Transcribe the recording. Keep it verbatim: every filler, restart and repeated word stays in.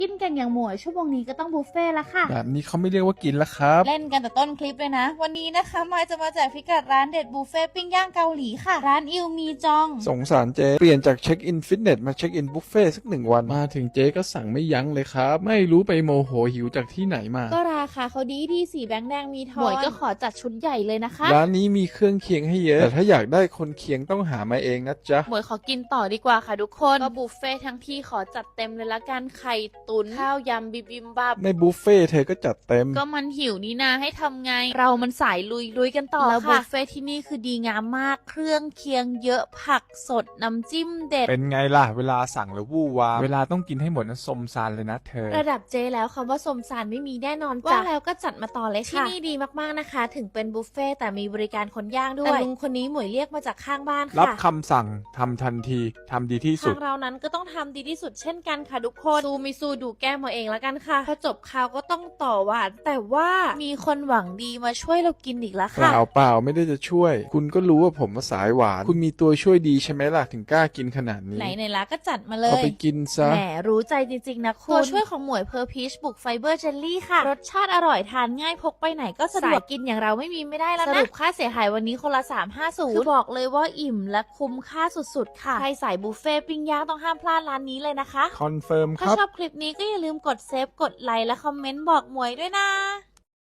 กินกันอย่างหมวยชั่วโมงนี้ก็ต้องบุฟเฟ่ละค่ะแบบนี้เขาไม่เรียกว่ากินแล้วครับเล่นกันแต่ต้นคลิปเลยนะ วันนี้นะคะมายจะมาแจกพิกัดร้านเด็ดบุฟเฟ่ปิ้งย่างเกาหลีค่ะ ร้านอิวมีจองสงสารเจ๊เปลี่ยนจากเช็คอินฟิตเนสมาเช็คอินบุฟเฟ่สักหนึ่งวันมาถึงเจ๊ก็สั่งไม่ยั้งเลยครับ ไม่รู้ไปโมโหหิวจากที่ไหนมาก็ราคาเขาดีที่สีแบงค์แดงมีทอนหมวยก็ขอจัดชุดใหญ่เลยนะคะร้านนี้มีเครื่องเคียงให้เยอะ แต่ถ้าอยากได้คนเคียงต้องหามาเองนะจ๊ะหมวยขอกินต่อดีกว่าค่ะทุกคนก็บุฟเฟ่ทั้งที่ขอจัดเต็มเลยละกันไข่ตุ๋นข้าวยำบิบิมบับในบุฟเฟ่เธอก็จัดเต็มก็มันหิวนี่นาให้ทำไงเรามันสายลุยลุยกันต่อแล้วบุฟเฟ่ที่นี่คือดีงามมากเครื่องเคียงเยอะผักสดน้ำจิ้มเด็ดเป็นไงล่ะเวลาสั่งแล้ววู่วามเวลาต้องกินให้หมดนะสมซานเลยนะเธอระดับเจแล้วคำว่าสมสารไม่มีแน่นอนจ้ะว่าแล้วก็จัดมาต่อเลยค่ะที่นี่ดีมากๆนะคะถึงเป็นบุฟเฟ่แต่มีบริการคนย่างด้วยแต่ลุงคนนี้หมวยเรียกมาจากข้างบ้านค่ะรับคำสั่งทำทันทีทำดีที่สุดทางเรานั้นก็ต้องทำดีที่สุดเช่นกันค่ะทุกคนซูมิซูดูแก้มาเองแล้วกันค่ะพอจบข่าวก็ต้องต่อหวานแต่ว่ามีคนหวังดีมาช่วยเรากินอีกแล้วค่ะเปล่าเปล่าไม่ได้จะช่วย คุณก็รู้ว่าผมมาสายหวานคุณมีตัวช่วยดีใช่ไหมล่ะถึงกล้ากินขนาดนี้ไหนในละก็จัดมาเลยเอาไปกินซะแหมรู้ใจจริงๆนะคุณตัวช่วยของหมวยเพอร์พีชบุกไฟเบอร์เจลลี่ค่ะรสชาติอร่อยทานง่ายพกไปไหนก็สะดวกกินอย่างเราไม่มีไม่ได้แล้วนะสรุปค่าเสียหายวันนี้คนละสามร้อยห้าสิบคือบอกเลยว่าอิ่มและคุ้มค่าสุดๆค่ะใครสายบุฟเฟ่ปิ้งย่างต้องห้ามพลาดร้านนี้เลยนะคะคอนเฟิร์มคถ้ารับชอบคลิปนี้ก็อย่าลืมกดเซฟกดไลค์และคอมเมนต์บอกหมวยด้วยนะ